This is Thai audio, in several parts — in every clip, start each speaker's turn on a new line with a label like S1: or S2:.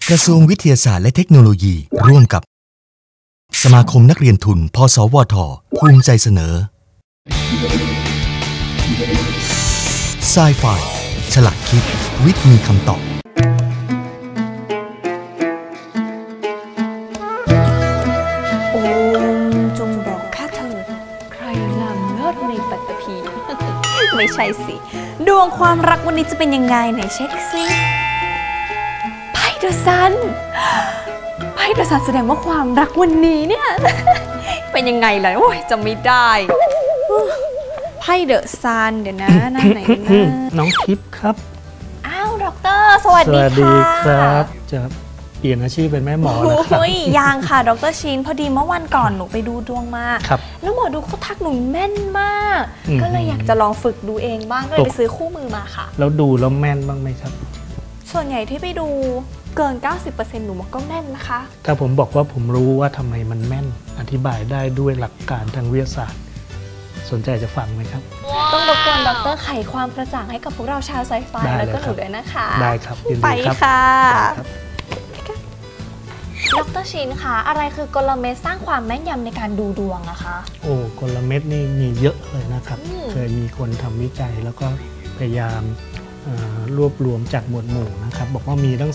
S1: กระทรวงวิทยาศาสตร์และเทคโนโลยีร่วมกับสมาคมนักเรียนทุนพสวทภูมิใจเสนอไซไฟฉลาดคิดวิทย์มีคำตอบ
S2: โอมจงบอกข้าเถิดใครงามเลิศในปัตตภี ไม่ใช่สิดวงความรักวันนี้จะเป็นยังไงไหนเช็คซิไพ่เดอะซันไพ่เดอะซันแสดงว่าความรักวันนี้เนี่ย เป็นยังไงล่ะโอ้ยจำไม่ได้ไพ่เดอะซันเดี๋ยวนะหน้าไหนนะ
S3: น้องทิพย์ครับ
S2: อ้าวด็อกเตอร์สวัสดีค่ะสวัสดี
S3: ครับจะเปลี่ยนอาชีพเป็นแม่หมอแล้วครับ
S2: ยังค่ะดร.ชินพอดีเมื่อวันก่อนหนูไปดูดวงมาแล้วหมอดูเขาทักหนูแม่นมากก็เลยอยากจะลองฝึกดูเองบ้างก็เลยไปซื้อคู่มือมาค่ะ
S3: แล้วดูแล้วแม่นบ้างไหมครับ
S2: ส่วนใหญ่ที่ไปดูเกิน 90% หนูก็แม่นนะคะ
S3: ถ้าผมบอกว่าผมรู้ว่าทำไมมันแม่นอธิบายได้ด้วยหลักการทางวิทยาศาสตร์สนใจจะฟังไหมครับ
S2: ต้องรบกวนดร.ไขความกระจ่างให้กับพวกเราชาวไซไฟแล้วก็หนูด้วยนะคะ
S3: ได้ครับ
S2: ไปค่ะดร.ชินคะอะไรคือกลเม็ดสร้างความแม่นยำในการดูดวงอะคะ
S3: โอ้กลเม็ดนี่มีเยอะเลยนะครับเคยมีคนทำวิจัยแล้วก็พยายามรวบรวมจากหมวดหมู่นะครับบอกว่ามีตั้ง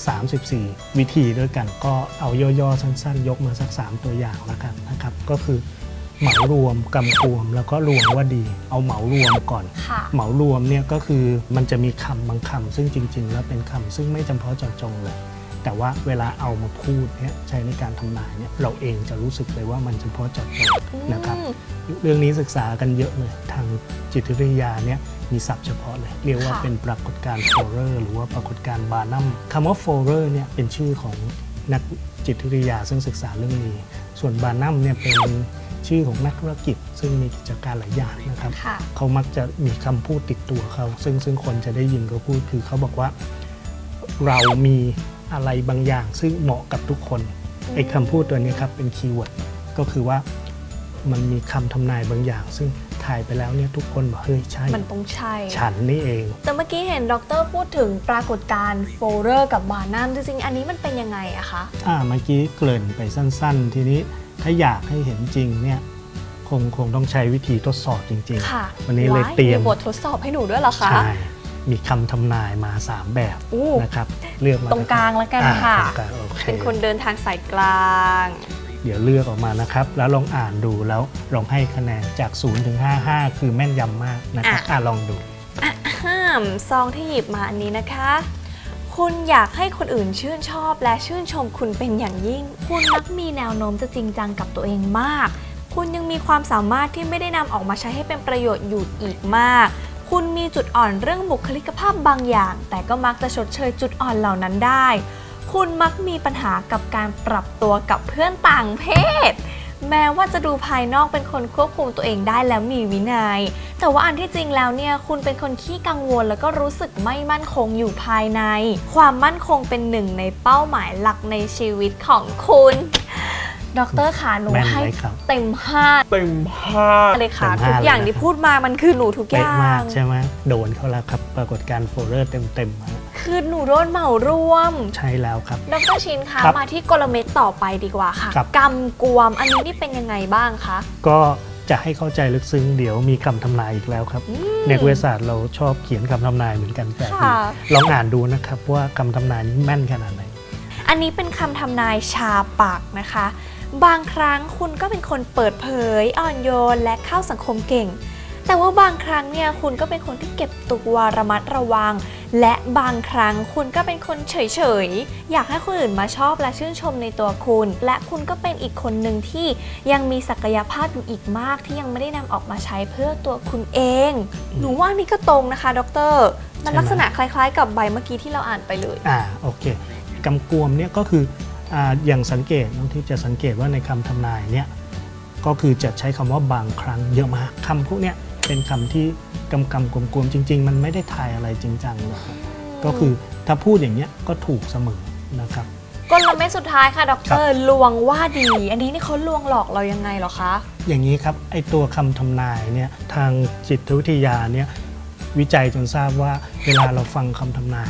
S3: 34วิธีด้วยกันก็เอาย่อๆสั้นๆยกมาสัก3ตัวอย่างแล้วกันนะครับก็คือเหมารวมกำกวมแล้วก็รวมว่าดีเอาเหมารวมก่อนเหมารวมเนี่ยก็คือมันจะมีคำบางคำซึ่งจริงๆแล้วเป็นคำซึ่งไม่จำเพาะเจาะจงเลยแต่ว่าเวลาเอามาพูดเนี่ยใช้ในการทำนายเนี่ยเราเองจะรู้สึกเลยว่ามันเฉพาะเจาะจงนะครับเรื่องนี้ศึกษากันเยอะเลยทางจิตวิทยาเนี่ยมีศัพท์เฉพาะเลยเรียกว่าเป็นปรากฏการณ์โฟเรอร์หรือว่าปรากฏการณ์บาร์นัมคำว่าโฟเรอร์เนี่ยเป็นชื่อของนักจิตวิทยาซึ่งศึกษาเรื่องนี้ส่วนบาร์นัมเนี่ยเป็นชื่อของนักธุรกิจซึ่งมีกิจการหลายอย่างนะครับเขามักจะมีคำพูดติดตัวเขาซึ่งคนจะได้ยินเขาพูดคือเขาบอกว่าเรามีอะไรบางอย่างซึ่งเหมาะกับทุกคนไอ้คำพูดตัวนี้ครับเป็นคีย์เวิร์ดก็คือว่ามันมีคำทำนายบางอย่างซึ่งถ่ายไปแล้วเนี่ยทุกคนบอกเฮ้ยใช่
S2: มันต้องใช่
S3: ฉันนี่เอง
S2: แต่เมื่อกี้เห็นดร.พูดถึงปรากฏการณ์โฟเรอร์กับบาร์นัมจริงๆอันนี้มันเป็นยังไงอะคะ
S3: เมื่อกี้เกริ่นไปสั้นๆทีนี้ถ้าอยากให้เห็นจริงเนี่ยคงต้องใช้วิธีทดสอบจริงๆวันนี้เลยเตรียม
S2: บททดสอบให้หนูด้วยเหรอคะ
S3: ใช่มีคำทำนายมา3แบบนะครับเลือกมา
S2: ตรงกลางแล้วกันค่ะเป็นคนเดินทางสายกลาง
S3: เดี๋ยวเลือกออกมานะครับแล้วลองอ่านดูแล้วลองให้คะแนนจาก0 ถึง 55คือแม่นยำมากนะครับลองดู
S2: ซองที่หยิบมาอันนี้นะคะคุณอยากให้คนอื่นชื่นชอบและชื่นชมคุณเป็นอย่างยิ่งคุณมักมีแนวโน้มจะจริงจังกับตัวเองมากคุณยังมีความสามารถที่ไม่ได้นำออกมาใช้ให้เป็นประโยชน์อยู่อีกมากคุณมีจุดอ่อนเรื่องบุคลิกภาพบางอย่างแต่ก็มักจะชดเชยจุดอ่อนเหล่านั้นได้คุณมักมีปัญหากับการปรับตัวกับเพื่อนต่างเพศแม้ว่าจะดูภายนอกเป็นคนควบคุมตัวเองได้แล้วมีวินัยแต่ว่าอันที่จริงแล้วเนี่ยคุณเป็นคนขี้กังวลแล้วก็รู้สึกไม่มั่นคงอยู่ภายในความมั่นคงเป็นหนึ่งในเป้าหมายหลักในชีวิตของคุณดร.ขาหนูให้เต็ม5เลยค่ะทุกอย่างที่พูดมามันคือหนูทุกอย่าง
S3: ใช่ไหมโดนเขาแล้วครับปรากฏการณ์โฟเรอร์เต็ม
S2: คือหนูโดนเหมารวม
S3: ใช่แล้วครับ
S2: ดร.ชินคะมาที่กลเม็ดต่อไปดีกว่าค่ะกำกวมอันนี้นี่เป็นยังไงบ้างคะ
S3: ก็จะให้เข้าใจลึกซึ้งเดี๋ยวมีคำทำนายอีกแล้วครับในวิทยาศาสตร์เราชอบเขียนคำทำนายเหมือนกันแต่ลองอ่านดูนะครับว่าคำทำนายนี้แม่นขนาดไหน
S2: อันนี้เป็นคำทำนายชาปากนะคะบางครั้งคุณก็เป็นคนเปิดเผยอ่อนโยนและเข้าสังคมเก่งแต่ว่าบางครั้งเนี่ยคุณก็เป็นคนที่เก็บตัวระมัดระวังและบางครั้งคุณก็เป็นคนเฉยๆอยากให้คนอื่นมาชอบและชื่นชมในตัวคุณและคุณก็เป็นอีกคนหนึ่งที่ยังมีศักยภาพอยู่อีกมากที่ยังไม่ได้นำออกมาใช้เพื่อตัวคุณเองหนูว่านี่ก็ตรงนะคะดร.มันลักษณะคล้ายๆกับใบเมื่อกี้ที่เราอ่านไปเลย
S3: โอเคกำกวมเนี่ยก็คืออย่างสังเกตน้องที่จะสังเกตว่าในคำทำนายเนี่ยก็คือจะใช้คำว่าบางครั้งเยอะมากคำพวกเนี้ยเป็นคำที่กำกวมจริงๆมันไม่ได้ทายอะไรจริงจังหรอกก็คือถ้าพูดอย่างเนี้ยก็ถูกเสมอนะครับ
S2: กลเม็ดสุดท้ายค่ะดร.ลวงว่าดีอันนี้นี่เขาลวงหลอกเรายังไงหรอคะ
S3: อย่างนี้ครับไอตัวคำทำนายเนี่ยทางจิตวิทยาเนี่ยวิจัยจนทราบว่าเวลาเราฟังคำทำนายเนี่ย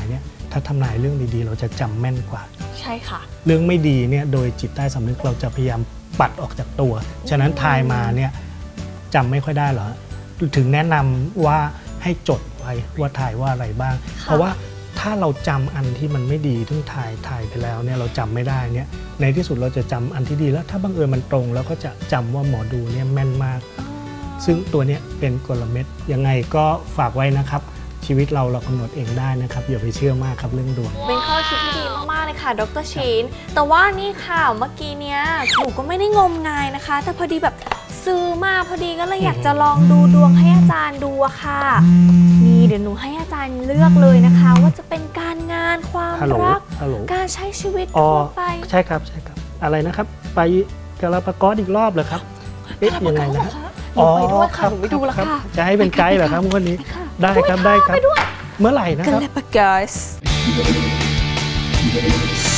S3: ถ้าทำนายเรื่องดีๆเราจะจำแม่นกว่า
S2: ใช่ค่ะ
S3: เรื่องไม่ดีเนี่ยโดยจิตใต้สำนึกเราจะพยายามปัดออกจากตัว ฉะนั้นทายมาเนี่ยจำไม่ค่อยได้หรอถึงแนะนำว่าให้จดไว้ว่าทายว่าอะไรบ้าง เพราะว่าถ้าเราจำอันที่มันไม่ดีทึ่งทายไปแล้วเนี่ยเราจำไม่ได้เนี่ยในที่สุดเราจะจำอันที่ดีแล้วถ้าบังเอิญมันตรงแล้วก็จะจำว่าหมอดูเนี่ยแม่นมากซึ่งตัวเนี้ยเป็นกลเม็ดยังไงก็ฝากไว้นะครับชีวิตเรากำหนดเองได้นะครับอย่าไปเชื่อมากครับเรื่องดวง
S2: เป็นข้อคิดที่ดีมากๆเลยค่ะดร.ชีนแต่ว่านี่ค่ะเมื่อกี้เนี้ยหนูก็ไม่ได้งมงายนะคะ แต่พอดีแบบซื้อมาพอดีก็เลยอยากจะลองดูดวงให้อาจารย์ดูอะค่ะนี่เดี๋ยวหนูให้อาจารย์เลือกเลยนะคะ ว่าจะเป็นการงานความรักการใช้ชีวิตทั่วไป
S3: ใช่ครับอะไรนะครับไปกาลาปากอสอีกรอบเหรอครับยังไงนะ
S2: ไปด้วยค่ะหนูไปดูแล้วค่ะ
S3: จะให้เป็นไกด์เหรอครับวันนี้ได้ครับเมื่อไหร่นะครับ
S2: กาลาปากอส